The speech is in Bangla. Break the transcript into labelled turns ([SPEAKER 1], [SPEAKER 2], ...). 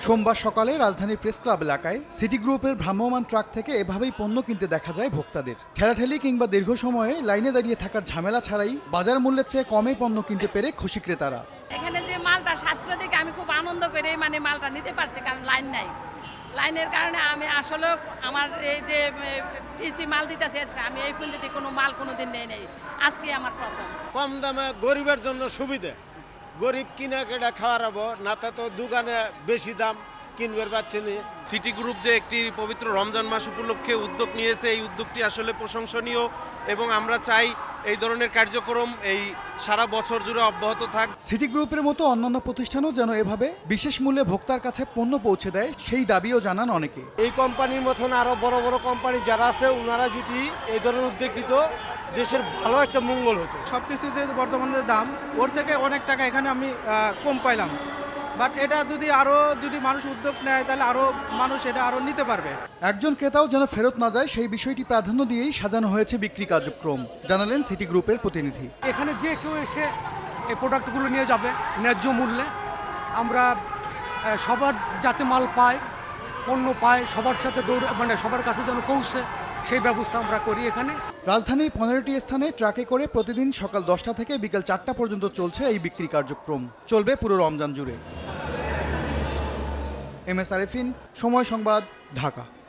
[SPEAKER 1] সোমবার সকালে রাজধানীর প্রেস ক্লাব এলাকায় সিটি গ্রুপের ভ্রাম্যমাণ ট্রাক থেকে এভাবেই পণ্য কিনতে দেখা যায় ভোক্তাদের। ঠেলাঠেলি কিংবা দীর্ঘ সময়ে লাইনে দাঁড়িয়ে থাকার ঝামেলা ছাড়াই বাজার মূল্যের চেয়ে কমে পণ্য কিনতে পেরে খুশি ক্রেতারা।
[SPEAKER 2] এখানে যে মালটা সাশ্রয় দেখে আমি খুব আনন্দ করে মানে মালটা নিতে পারছি, কারণ লাইন নাই। লাইনের কারণে আমি আসলে আমার এই যে টিসি মাল দিতেছে, আমি এই পর্যন্ত কোনো মাল কোনোদিন নেই, আজকে আমার প্রথম।
[SPEAKER 3] কম দামে গরিবের জন্য সুবিধা, গরিব কিনা কেটা খাওয়াবো না, তা তো দোকানে বেশি দাম কিনবার পাচ্ছে না।
[SPEAKER 4] সিটি গ্রুপ যে একটি পবিত্র রমজান মাস উপলক্ষে উদ্যোগ নিয়েছে, এই উদ্যোগটি আসলে প্রশংসনীয় এবং আমরা চাই এই ধরনের কার্যক্রম এই সারা বছর জুড়ে অব্যাহত থাক।
[SPEAKER 1] সিটি গ্রুপের মতো অন্যান্য প্রতিষ্ঠানও যেন এভাবে বিশেষ মূল্যে ভোক্তার কাছে পণ্য পৌঁছে দেয়, সেই দাবিও জানান অনেকে।
[SPEAKER 3] এই কোম্পানির মতন আরো বড় বড় কোম্পানি যারা আছে, ওনারা যদি এই ধরনের উদ্যোগ নিত, দেশের ভালো একটা মঙ্গল হতো।
[SPEAKER 5] সবকিছু যে বর্তমানে দাম, ওর থেকে অনেক টাকা এখানে আমি কম পাইলাম। বাট এটা যদি মানুষ উদ্যোগ নেয়, তাহলে আরো মানুষ এটা আরো নিতে পারবে।
[SPEAKER 1] একজন ক্রেতাও যেন ফেরত না যায় সেই বিষয়টি প্রাধান্য দিয়েই সাজানো হয়েছে বিক্রি কার্যক্রম, জানালেন সিটি গ্রুপের প্রতিনিধি।
[SPEAKER 6] এখানে যে কেউ এসে এই প্রোডাক্টগুলো নিয়ে যাবে ন্যায্য মূল্যে। আমরা সবার যাতে মাল পায়, পণ্য পায়, সবার সাথে সবার কাছে যেন পৌঁছে, সেই ব্যবস্থা আমরা করি এখানে।
[SPEAKER 1] রাজধানীর 15টি স্থানে ট্রাকে করে প্রতিদিন সকাল 10টা থেকে বিকেল 4টা পর্যন্ত চলছে এই বিক্রি কার্যক্রম, চলবে পুরো রমজান জুড়ে। এম এস আরেফিন, সময় সংবাদ, ঢাকা।